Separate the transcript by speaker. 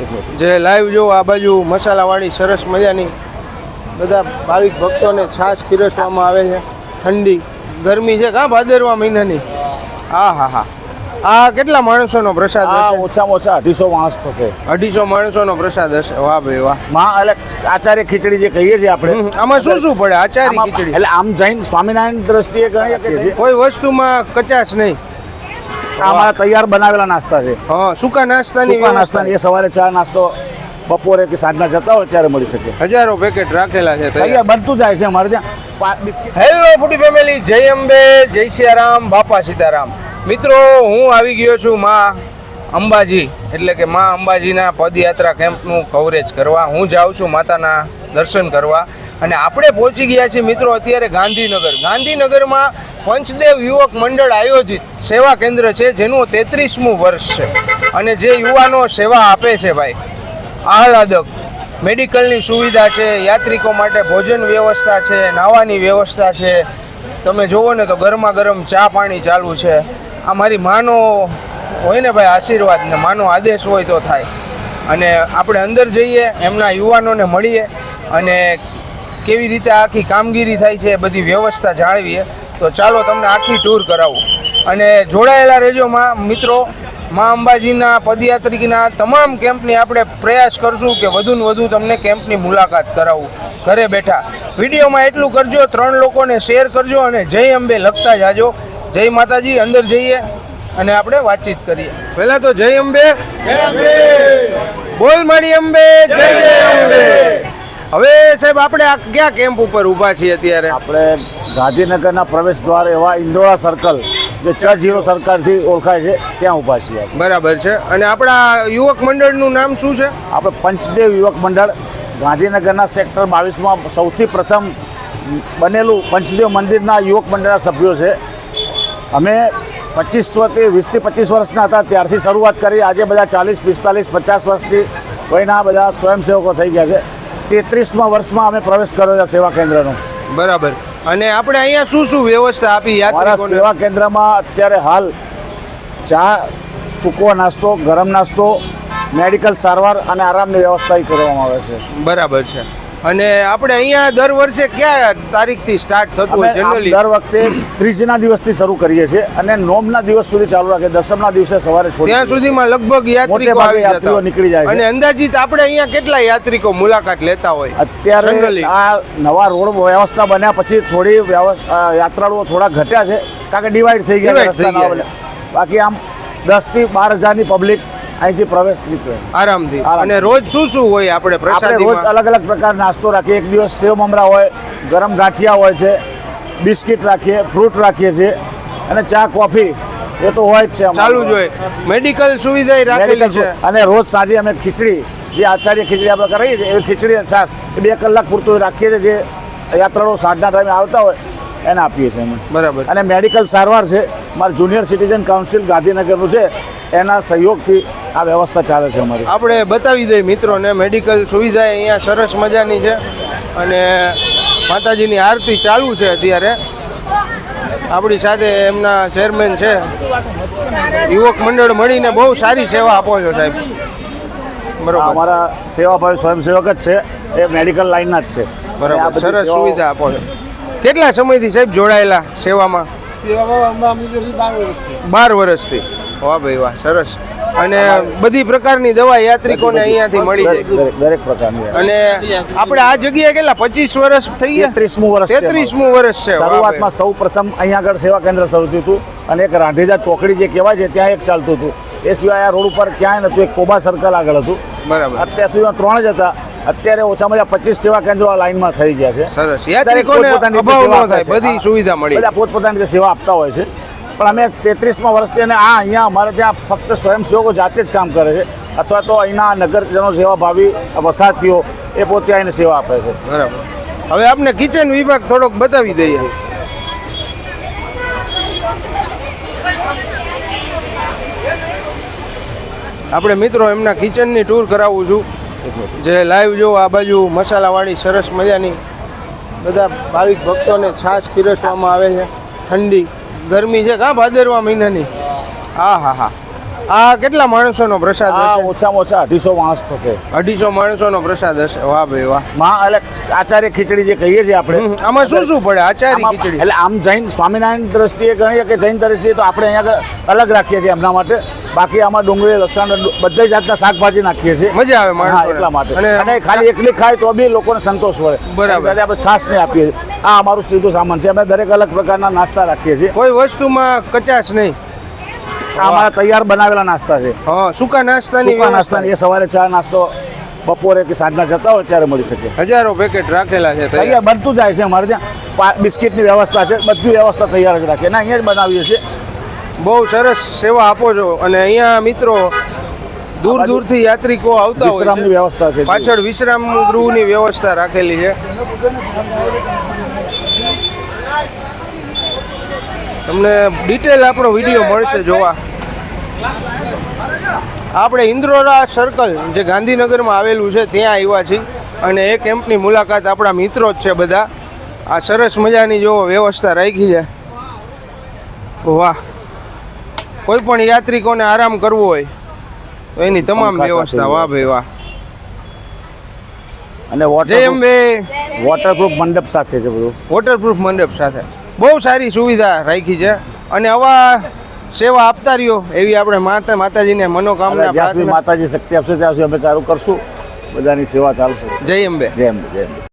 Speaker 1: જે લાઈવ જો આ બાજુ મસાલાવાળી સરસ મજાની બધા ભાવિક ભક્તોને છાશ પીરસવામાં આવે છે. ઠંડી ગરમી છે કા ભાદરવા મહિનાની. હા હા હા. આ કેટલા માણસોનો પ્રસાદ હશે?
Speaker 2: ઓછામાં ઓછા 250 માણસ થશે.
Speaker 1: 250 માણસોનો પ્રસાદ હશે. વાહ ભાઈ વાહ.
Speaker 2: માં એટલે આચાર્ય ખીચડી જે કહીએ છીએ આપણે,
Speaker 1: આમાં શું શું પડે? આચારી ખીચડી
Speaker 2: એટલે આમ જૈન સ્વામિનારાયણ દ્રષ્ટિએ ગણીએ કે
Speaker 1: કોઈ વસ્તુમાં કચાશ નહીં.
Speaker 2: અમારા તૈયાર બનાવેલા નાસ્તા છે.
Speaker 1: હા, સૂકા નાસ્તાની
Speaker 2: એ સવારે ચા નાસ્તો બપોરે કે સાંજના જતા હોય ત્યારે મળી શકે.
Speaker 1: હજારો પેકેટ રાખેલા છે
Speaker 2: તૈયાર બનતું જાય છે અમારે ત્યાં બિસ્કિટ.
Speaker 1: હેલો ફૂડી ફેમિલી, જય અંબે, જય સિયારામ, બાપા સીતારામ. મિત્રો, હું આવી ગયો છું માં અંબાજી એટલે કે માં અંબાજીના પદયાત્રા કેમ્પનું કવરેજ કરવા. હું જાઉં છું માતાના દર્શન કરવા અને આપણે પહોંચી ગયા છીએ મિત્રો અત્યારે ગાંધીનગર. ગાંધીનગરમાં પંચદેવ યુવક મંડળ આયોજિત સેવા કેન્દ્ર છે જેનું 33મું વર્ષ છે અને જે યુવાનો સેવા આપે છે ભાઈ, આહલાદક મેડિકલની સુવિધા છે, યાત્રિકો માટે ભોજન વ્યવસ્થા છે, નાવાની વ્યવસ્થા છે. તમે જુઓ ને તો ગરમા ગરમ ચા પાણી ચાલુ છે. આ મારી માનો હોય ને ભાઈ આશીર્વાદ ને માનો આદેશ હોય તો થાય. અને આપણે અંદર જઈએ, એમના યુવાનોને મળીએ અને કેવી રીતે આખી કામગીરી થાય છે એ બધી વ્યવસ્થા જાળવીએ. તો ચાલો તમને આખી ટૂર કરાવું અને જોડાયેલા રહેજો મિત્રો. માં અંબાજીના પદયાત્રિકના તમામ કેમ્પની આપણે પ્રયાસ કરશું કે વધુને વધુ તમને કેમ્પની મુલાકાત કરાવું ઘરે બેઠા. વિડીયોમાં એટલું કરજો, 3 લોકોને શેર કરજો અને જય અંબે લખતા જાજો. જય માતાજી. અંદર જઈએ અને આપણે વાતચીત કરીએ. પહેલા તો જય અંબે, બોલ મારી અંબે, જય જય અંબે. હવે સાહેબ આપણે આ ક્યાં કેમ્પ ઉપર ઊભા છીએ અત્યારે?
Speaker 2: આપણે ગાંધીનગરના પ્રવેશ દ્વાર એવા ઇન્દોરા સર્કલ જે ચર્ચ સર્કલથી ઓળખાય છે ત્યાં ઊભા છીએ.
Speaker 1: બરાબર છે. અને આપણા યુવક મંડળનું નામ શું છે?
Speaker 2: આપણે પંચદેવ યુવક મંડળ ગાંધીનગરના સેક્ટર 22માં સૌથી પ્રથમ બનેલું પંચદેવ મંદિરના યુવક મંડળના સભ્યો છે. અમે 20 થી 25 વર્ષના હતા ત્યારથી શરૂઆત કરી. આજે બધા 40, 45, 50 વર્ષથી વયના બધા સ્વયંસેવકો થઈ ગયા છે. 33મા વર્ષમાં અમે પ્રવેશ કર્યો છે સેવા કેન્દ્રનો.
Speaker 1: બરાબર. અને આપણે અહીંયા શું શું વ્યવસ્થા આપી યાત્રિકોને?
Speaker 2: સેવા કેન્દ્રમાં અત્યારે હાલ ચા, સૂકો નાસ્તો, ગરમ નાસ્તો, મેડિકલ સારવાર અને આરામની વ્યવસ્થા કરવામાં આવે છે.
Speaker 1: બરાબર છે. અને આપણે અહીંયા દર વર્ષે કયા તારીખથી સ્ટાર્ટ થતું હોય જનરલી?
Speaker 2: દર વખતે ત્રીજના દિવસથી શરૂ કરીએ છીએ અને નોમના દિવસ સુધી ચાલુ રાખીએ. દસમના દિવસે સવારે
Speaker 1: ત્યાં સુધીમાં લગભગ યાત્રિકો આવી જતા
Speaker 2: નીકળી જાય.
Speaker 1: અને અંદાજિત આપણે અહીંયા કેટલા યાત્રિકો મુલાકાત લેતા હોય?
Speaker 2: અત્યારે આ નવા રોડ વ્યવસ્થા બન્યા પછી થોડી યાત્રાળુઓ થોડા ઘટ્યા છે કારણ કે ડિવાઈડ થઈ ગયા. બાકી આમ 10 થી 12,000ની પબ્લિક અહીંથી પ્રવેશ નીકળે
Speaker 1: આરામથી. અને રોજ શું શું હોય આપણે પ્રસાદીમાં?
Speaker 2: રોજ અલગ અલગ પ્રકાર નાસ્તો રાખીએ. એક દિવસ સેવ મમરા હોય, ગરમ ગાંઠિયા હોય છે, બિસ્કિટ રાખીએ, ફ્રૂટ રાખીએ છીએ અને ચા કોફી એ તો હોય જ છે,
Speaker 1: ચાલુ જ હોય. મેડિકલ સુવિધા રાખેલી છે.
Speaker 2: અને રોજ સાંજે અમે ખીચડી, જે આચાર્ય ખીચડી આપણે કરીએ છીએ એવી ખીચડી અને છાશ એ 2 કલાક પૂરતું રાખીએ છીએ. જે યાત્રાળુઓ સાંજના ટાઈમે આવતા હોય એને આપીએ છીએ અમે.
Speaker 1: બરાબર.
Speaker 2: અને મેડિકલ સારવાર છે, મારું જુનિયર સિટીઝન કાઉન્સિલ ગાંધીનગરનું છે, એના સહયોગથી આ વ્યવસ્થા ચાલે છે અમારી.
Speaker 1: આપણે બતાવી દઈએ મિત્રોને મેડિકલ સુવિધા અહીંયા સરસ મજાની છે અને માતાજીની આરતી ચાલુ છે અત્યારે. આપણી સાથે એમના ચેરમેન છે. યુવક મંડળ મળીને બહુ સારી સેવા આપો છો સાહેબ. બરાબર. અમારા
Speaker 2: સેવાભાવી સ્વયંસેવક જ છે, એ મેડિકલ લાઈનના જ છે.
Speaker 1: બરાબર. સરસ સુવિધા આપો છો. કેટલા સમયથી સાહેબ જોડાયેલા સેવામાં? 12 વર્ષથી. વાહ ભાઈ વાહ, સરસ. અને બધી પ્રકારની દવા યાત્રિકોને અહીંયાથી મળી જાય,
Speaker 2: દરેક પ્રકારની.
Speaker 1: અને આપણે આ જગ્યાએ કેટલા 25 વર્ષ થઈ ગયા? 33મું વર્ષ છે.
Speaker 2: શરૂઆતમાં સૌ પ્રથમ અહીંયા આગળ સેવા કેન્દ્ર શરૂ થયું હતું અને એક રાંધેજા ચોકડી જે કહેવાય છે ત્યાં એક ચાલતું હતું. એ સિવાય આ રોડ ઉપર ક્યાંય નહોતું. એક કોબા સર્કલ આગળ હતું.
Speaker 1: બરાબર.
Speaker 2: અત્યાર સુધીમાં 3 જ હતા. અત્યારે ઓછામાં ઓછા 25 સેવા કેન્દ્રો લાઈનમાં થઈ ગયા છે.
Speaker 1: સરસ. યાત્રિકોને અભાવ ન થાય, બધી સુવિધા મળી.
Speaker 2: બધા પોતપોતાની રીતે સેવા આપતા હોય છે. પણ અમે 33મા વર્ષથી અને અહીંયા અમારે ત્યાં ફક્ત સ્વયંસેવકો જાતે જ કામ કરે છે અથવા તો અહીંના નગરજનો સેવાભાવી વસાતીઓ એ પોતે આવીને સેવા આપે છે.
Speaker 1: બરાબર. હવે આપણે કિચન વિભાગ થોડોક બતાવી દઈએ. આપણે મિત્રો એમના કિચનની ટૂર કરાવું છું. જે લાઈવ જો આ બાજુ મસાલાવાળી સરસ મજાની બધા ભાવિક ભક્તોને છાશ પીરસવામાં આવે છે. ઠંડી ગરમી છે કા ભાદરવા મહિનાની. હા હા હા. આ કેટલા માણસોનો પ્રસાદ
Speaker 2: આ
Speaker 1: હશે?
Speaker 2: ઓછામાં ઓછા 250 માણસ થશે.
Speaker 1: 250 માણસોનો પ્રસાદ હશે. વાહ ભાઈ વાહ.
Speaker 2: માં એટલે આચાર્ય ખીચડી જે કહીએ છીએ આપણે,
Speaker 1: આમાં શું શું પડે? આચારી
Speaker 2: આમાં
Speaker 1: ખીચડી.
Speaker 2: એટલે આમ જૈન સ્વામિનારાયણ દ્રષ્ટિએ ગણીએ કે જૈન દ્રષ્ટિએ તો આપણે અહીંયા આગળ અલગ રાખીએ છીએ એમના માટે. બાકી આમાં ડુંગળી લસણ બધી જાતના શાકભાજી નાખીએ છીએ.
Speaker 1: મજા આવે
Speaker 2: હા,
Speaker 1: માણસોને.
Speaker 2: એટલા માટે.
Speaker 1: અને
Speaker 2: અને ખાલી એકલી ખાય તો બી લોકોને સંતોષ મળે.
Speaker 1: બરાબર.
Speaker 2: એની સાથે આપણે છાશ ને આપીએ છીએ. આ અમારું સીધું સામાન છે. અમે દરેક અલગ પ્રકારના નાસ્તા રાખીએ છીએ.
Speaker 1: કોઈ વસ્તુમાં કચાશ નહીં.
Speaker 2: આ અમારા તૈયાર બનાવેલા નાસ્તા છે.
Speaker 1: હા, સૂકા નાસ્તાની
Speaker 2: સૂકા નાસ્તાની એ સવારે ચા નાસ્તો બપોરે કે સાંજના જતા હોય ત્યારે મળી શકે.
Speaker 1: હજારો પેકેટ રાખેલા છે તૈયાર.
Speaker 2: તૈયાર બનતું જાય છે અમારે ત્યાં. બિસ્કિટની વ્યવસ્થા છે, બધી વ્યવસ્થા તૈયાર જ રાખીએ. અને અહીંયા જ બનાવીએ છીએ.
Speaker 1: બહુ સરસ સેવા આપો છો. અને અહીંયા મિત્રો દૂર દૂરથી યાત્રિકો આવતા હોય
Speaker 2: વિશ્રામની
Speaker 1: છે.
Speaker 2: વ્યવસ્થા છે.
Speaker 1: પાછળ વિશ્રામ ગૃહની વ્યવસ્થા રાખેલી છે. તમને ડિટેલ આપણો વિડીયો મળશે જોવા. આપણે ઇન્દ્રોરા સર્કલ જે ગાંધીનગરમાં આવેલું છે ત્યાં આવ્યા છીએ અને એ કેમ્પની મુલાકાત આપણા મિત્રો જ છે બધા. આ સરસ મજાની જો વ્યવસ્થા રાખી છે. વાહ. કોઈ પણ યાત્રિકોને આરામ કરવો હોય તો એની તમામ
Speaker 2: પંખા
Speaker 1: વ્યવસ્થા.
Speaker 2: સાથે
Speaker 1: વાહ ભાઈ વાહ.
Speaker 2: અને
Speaker 1: જય અંબે.
Speaker 2: વોટરપ્રૂફ મંડપ સાથે છે બધું.
Speaker 1: વોટરપ્રૂફ મંડપ સાથે બહુ સારી સુવિધા રાખી છે. અને આવા સેવા આપતા રહ્યો એવી આપણે માતાજીને મનોકામના
Speaker 2: જ્યાં સુધી
Speaker 1: પ્રાર્થના.
Speaker 2: માતાજી શક્તિ આપશે ત્યાં સુધી અમે ચાલુ કરશું. બધાની સેવા ચાલશે.
Speaker 1: જય અંબે.
Speaker 2: જય અંબે, જય અંબે.